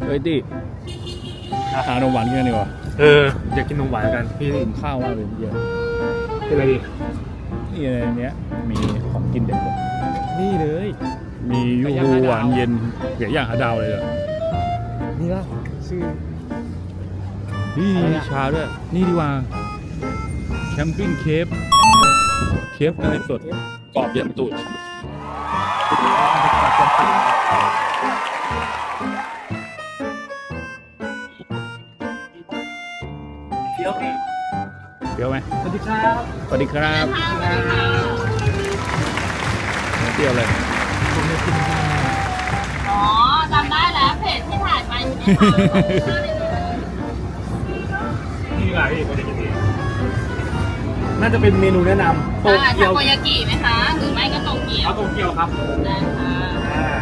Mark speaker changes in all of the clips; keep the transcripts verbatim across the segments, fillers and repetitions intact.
Speaker 1: เฮ้ยดิหานมหวานกินกันดีกว่า
Speaker 2: เอออยากกินนมหวานกันพี่
Speaker 1: กินข้าวมากเลยเยอะ
Speaker 2: เป็นอะไรดี
Speaker 1: นี่ในเนี้ยมีของกินเด็ดเลย
Speaker 2: นี่เลย
Speaker 1: มียูฮูหวานเย็นเกี่ยอย่างหาดาวเลยเหรอ
Speaker 2: นี่ป่ะชื่อ
Speaker 1: นี่
Speaker 2: อะไร
Speaker 1: มี
Speaker 2: อะ
Speaker 1: ชาด้วยนี่ดีกว่าแคมปิ้งเคฟเคฟเนยสดกรอบเย็นตูด
Speaker 2: เที่ยวพี่
Speaker 1: เปรี้ยวไหม
Speaker 2: สวัสดีครับ
Speaker 1: สวัสดีครับเปรี้ยวเลย
Speaker 2: ผมจะกิน
Speaker 3: อ๋อจำได้แล้วเพจที่ถ่ายไปใช่ไหมคะ
Speaker 2: นี่ดีกว่าพี่ผมจะกินนี่น่าจะเป็นเมนูแนะนำโต
Speaker 3: อ่า
Speaker 2: เกีย
Speaker 3: ทาว โกยากิไหมคะ หรือไม่ก็โตเกียว
Speaker 2: เอาโตเกียวครับ
Speaker 3: ได้ค่ะ
Speaker 2: อ่า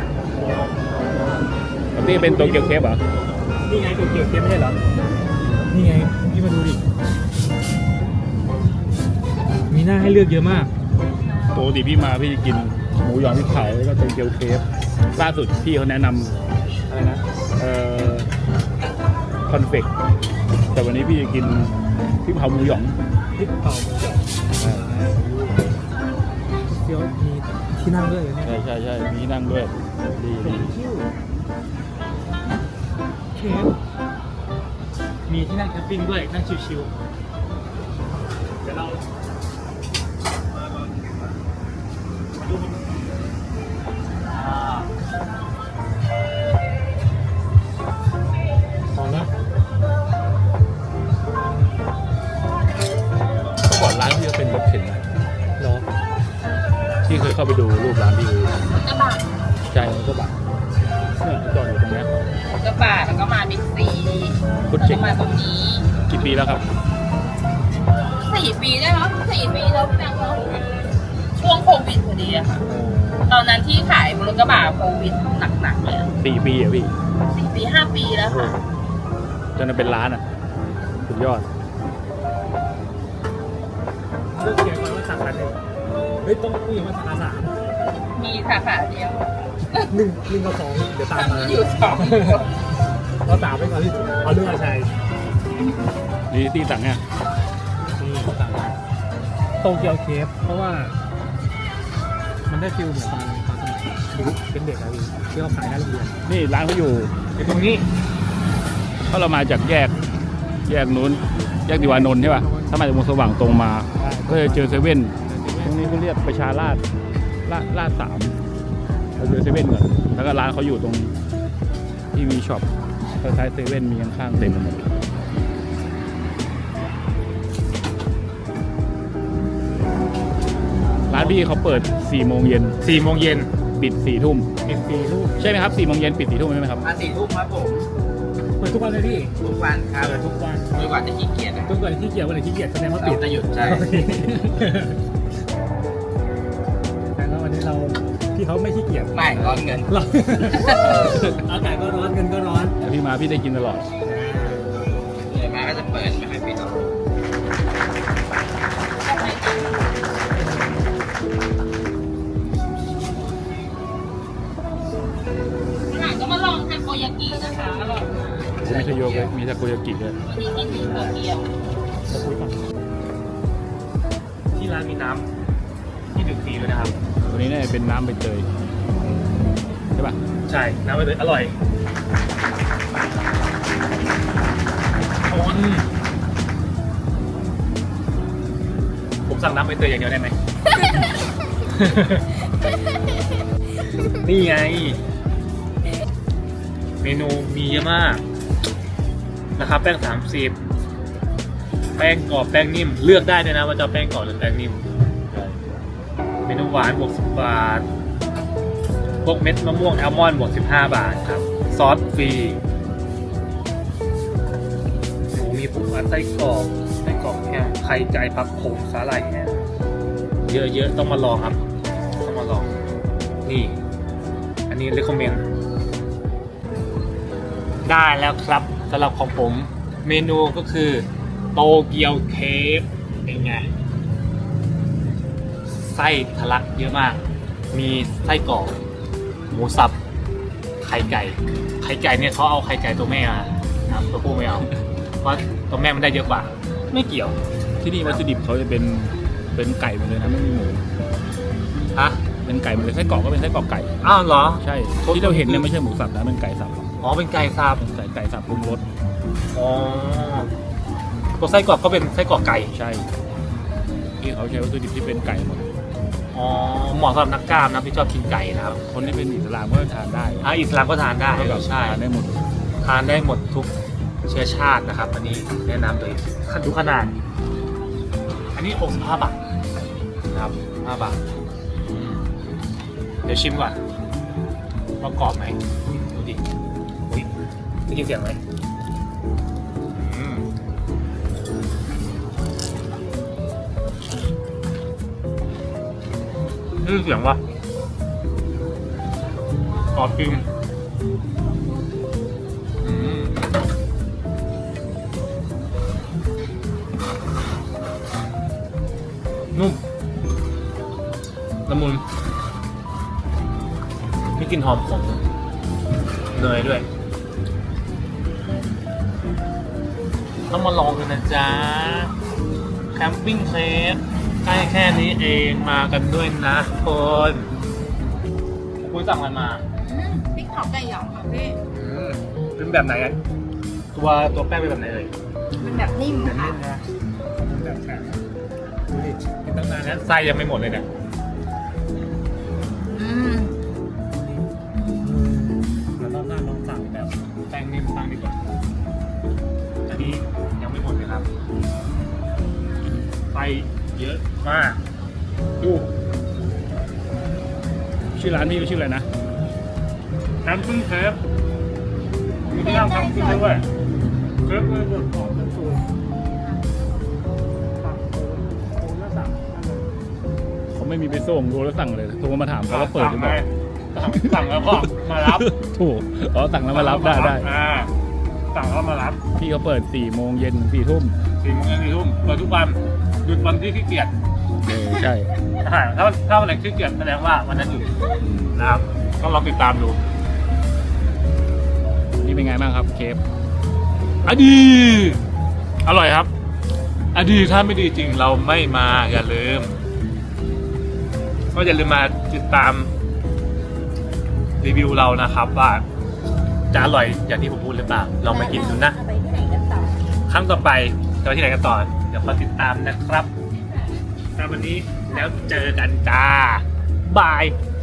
Speaker 1: นี่เป็นโตเกียวเคฟเหรอ
Speaker 2: นี่ไงโตเกียวเค็มไม่ใช่เหรอนี่ไงพี่มาดูดิมีหน้าให้เลือกเยอะมาก
Speaker 1: ปกติพี่มาพี่จะกินหมูหยองพริกเผาแล้วก็โตเกียวเคฟล่าสุดพี่เขาแนะนำ
Speaker 2: อะไรนะ
Speaker 1: เอ่อคอนเฟกแต่วันนี้พี่จะกินพริกเผาหมูหยอง
Speaker 2: พริกเผาหมูหยองเกี๊ยวมีที่นั่งด้วยเหรอเนี่ย
Speaker 1: ใช่ใช่ใช่มีที่นั่งด้วยดีดี
Speaker 2: เคฟมีที่นั่งแคมปิ้งด้วยนั่งชิวๆเดี๋ยวเรามาดูอ่าพอนะ
Speaker 1: ก่อนร้านพี่ก็เป็นรถเข็นนะ
Speaker 2: เหรอ
Speaker 1: ที่เคยเข้าไปดูรูปร้านพี่
Speaker 3: กระบะ
Speaker 1: ใช่มันก็แบบเนี่ยจอดอยู่ตรงเนี้ย
Speaker 3: กระบะแล้วก็มาบิ๊กซี
Speaker 1: พุทธ
Speaker 3: แล้ว
Speaker 1: เจ๋
Speaker 3: ก็
Speaker 1: ง
Speaker 3: มาตรงนี้
Speaker 1: กี่ปีแล้วครับ
Speaker 3: สี่ปีได้มั้งสี่ปีแล้วพี่แบงค์เนาะช่วงโควิดพอดีอะค่ะ ตอนนั้นที่ขายรถกระบะโควิดหนักๆเลยอะ
Speaker 1: สี่ปีอ่ะพี่
Speaker 3: สี่ปีห้าปีแล้วค่ะ
Speaker 1: จนมันเป็นร้านอ่ะสุดยอด
Speaker 2: เลือกเขียนก่อนว่าสาขาหนึ่งเฮ้ยต้องผู้หญิงว่าสาขาสาม
Speaker 3: มีสาขาเดียว
Speaker 2: หนึ่งหนึ่งกับสองเดี๋ยวตามมา
Speaker 3: อยู่สอง
Speaker 2: เราสามไปก่อนที่เอาเรื่องอาชัย
Speaker 1: นี่ที่สั่งเนี่ย
Speaker 2: นี่ตามมาโตเกียวเคฟเพราะว่า มันได้ฟิลเหมือนตอนตอนสมัยเป็นเด็กอะพี่ที่เขาขายหน้าโรงเรียน
Speaker 1: นี่ร้านเขาอยู่
Speaker 2: ไอ้ตรงนี้
Speaker 1: ถ้าเรามาจากแยกแยกนู้นแยกดิวานนท์ใช่ป่ะถ้ามาจากวงสว่างตรงมาก็จะเจอเซเว่นตรงนี้ก็เรียกประชาราษฎร์ลาดลาดสามเราเจอเซเว่นก่อนแล้วก็ร้านเขาอยู่ตรงที่มีช็อปคล้ายๆเซเว่นมีข้างๆเต็มไปหมดร้านพี่เขาเปิดสี่โมงเย็น
Speaker 2: สี่โมงเย็น
Speaker 1: ปิดสี่ทุ่ม
Speaker 2: เป็นฟรีลูก
Speaker 1: ใช่ไหมครับสี่โมงเย็นปิดสี่ทุ่มใช่ไหมครับ
Speaker 4: มาสี่ทุ่มครับผม
Speaker 2: เปิดทุกวันเลยพี่
Speaker 4: ทุกวันครับ
Speaker 2: เปิดทุกวัน
Speaker 4: ไม่ว่าจะขี้เกียจนะ
Speaker 2: ทุกวันที่เกียจวันไหนที่เกียจแสดงว่า
Speaker 4: เรา
Speaker 2: ปิด
Speaker 4: จะหยุดใช่
Speaker 2: โอเคแต่ว่าวันนี้เราพี่เขาไม่ขี้เกียจ
Speaker 4: ไม่ร้อนเงิน
Speaker 2: เราอากาศก็ร้อนเงินก็ร้อน
Speaker 1: แต่พี่มาพี่ได้กินตลอด
Speaker 4: เหนื่อยมาก็จะเปิดไม่ให้ปิดหรอก
Speaker 3: หลังก็มาลองทาโกยากินะคะอร่อยมาก
Speaker 1: ไม่ใช่โยเกะมีทาโกยากิด้วย
Speaker 3: วันนี้กินโตเกียว
Speaker 2: ที่ร้านมีน้ำที่ดื่มฟรีด้วยนะครับ
Speaker 1: ตัวนี้เนี่ยเป็นน้ำใบเตยใช่ป่ะ
Speaker 2: ใช่ น้ำใบเตยอร่อยอืมผมสั่งน้ำใบเตยอย่างเดียวได้ไหม นี่ไง เมนูมีเยอะมากนะครับแป้งสามสิบแป้งกรอบแป้งนิ่มเลือกได้ด้วยนะว่าจะเอาแป้งกรอบหรือแป้งนิ่มเมนูหวานบวกสิบบาทพวกเม็ดมะม่วงแอลมอนด์บวกสิบห้าบาทครับซอสฟรีหมูมีผงไส้กรอกไส้กรอกแห้งไข่ไก่ผักโขมสาหร่ายแห้งเยอะๆต้องมาลองครับต้องมาลองนี่ อันนี้ recommend ได้แล้วครับสำหรับของผมเมนูก็คือโตเกียวเคฟเป็นไงไส้ทะลักเยอะมาก มีไส้กรอกหมูสับไข่ไก่ไข่ไก่เนี่ยเขาเอาไข่ไก่ตัวแม่มานะครับตัวผู้ไม่เอาเพราะตัวแม่มันได้เยอะกว่า ไม่เกี่ยว
Speaker 1: ที่นี่วัตถุดิบเขาจะเป็นเป็นไก่หมดเลยนะไม่มีหมู
Speaker 2: ฮะ
Speaker 1: เป็นไก่หมดเลยไส้กรอกก็เป็นไส้กรอกไก่
Speaker 2: อ้าวเหรอ
Speaker 1: ใช่ที่เราเห็นเนี่ยไม่ใช่หมูสับนะเป็นไก่สับ
Speaker 2: อ๋อเป็นไก่สับ
Speaker 1: เป็นไก่ไก่สับปรุงรส
Speaker 2: อ๋อตัวไส้กรอกก็เป็นไส้กรอกไก่
Speaker 1: ใช่ที่เขาใช้วัตถุดิบที่เป็นไก่หมด
Speaker 2: อ๋อเหมาะสำหรับนักกล้ามนะที่ชอบกินไก่นะครับ
Speaker 1: คนที่เป็นอิสลามก็ทานได้
Speaker 2: อ่ะอิสลามก็ทานได้
Speaker 1: เท่ากับ
Speaker 2: ใช่
Speaker 1: ทานได้หมด
Speaker 2: ทานได้หมดทุกเชื้อชาตินะครับ อันนี้แนะนำโดยขั้นทุกขนาด อันนี้หกสิบห้าบาทนะครับห้าบาทอืมเดี๋ยวชิมก่อนว่ากรอบไหมดูดิอุ๊ยได้ยินเสียงไหมอืมได้ยินเสียงวะกรอบจริงอืมนุ่มละมุนมีกลิ่นหอมของเนยด้วย ต้องมาลองกันนะจ๊ะ แคมปิ้งเคฟใกล้แค่นี้เองมากันด้วยนะคนคุณสั่งอะไรมา
Speaker 3: อืมพริกเผาไก่หยองค่ะพี่
Speaker 2: อืมเป็นแบบไหนอะตัวตัวแป้งเป็นแบบไหนเอ่ย
Speaker 3: มันแบบนิ่ม
Speaker 2: แบบ
Speaker 3: ค่ะ
Speaker 2: นี้นะแบบแข็งดูดิกินตั้งนานแล้วไส้ยังไม่หมดเลยเนี่ย
Speaker 3: อืม
Speaker 2: แล้วรอบหน้าลองสั่งแบบแป้งนิ่มบ้างดีกว่าอันนี้ยังไม่หมดเลยครับไส้เยอะมากดู
Speaker 1: ชื่อร้านพี่ชื่ออะไรนะ
Speaker 2: แคมปิ้งเคฟมีที่นั่งแคมปิ้งด้วยเคฟเลยบดหอมเป็นสูตรสั่งโอ้โหน่าสั่ง
Speaker 1: เขาไม่มีไปส่งดูแล้วสั่งเลยโทรมาถามเขาว่าเปิดหรือเปล่า
Speaker 2: สั่งสั่งแล้วก็มารับ
Speaker 1: ถูกอ๋อสั่งแล้วมารับได้ได้
Speaker 2: อ่าสั่งแล้วมารับ
Speaker 1: พี่เขาเปิดสี่โมงเย็นสี่ทุ่ม
Speaker 2: สี่โมงเย็นสี่ทุ่มเปิดทุกวันหยุดวันที่ขี้เกียจ
Speaker 1: เออใช่
Speaker 2: อ่าถ้าถ้าวันไหนขี้เกียจแสดงว่าวันนั้นหยุดนะครับต้องลองติดตามดู
Speaker 1: นี่เป็นไงบ้างครับเคฟ
Speaker 2: อดีอร่อยครับอดีถ้าไม่ดีจริงเราไม่มาอย่าลืมก็อย่าลืมมาติดตามรีวิวเรานะครับว่าจะอร่อยอย่างที่ผมพูดหรือเปล่าลองมากินดูนะ
Speaker 3: ไปที่ไหนกันต่อ
Speaker 2: ครั้งต่อไปจะไปที่ไหนกันต่อเดี๋ยวคอยติดตามนะครับสำหรับวันนี้แล้วเจอกันจ้าบาย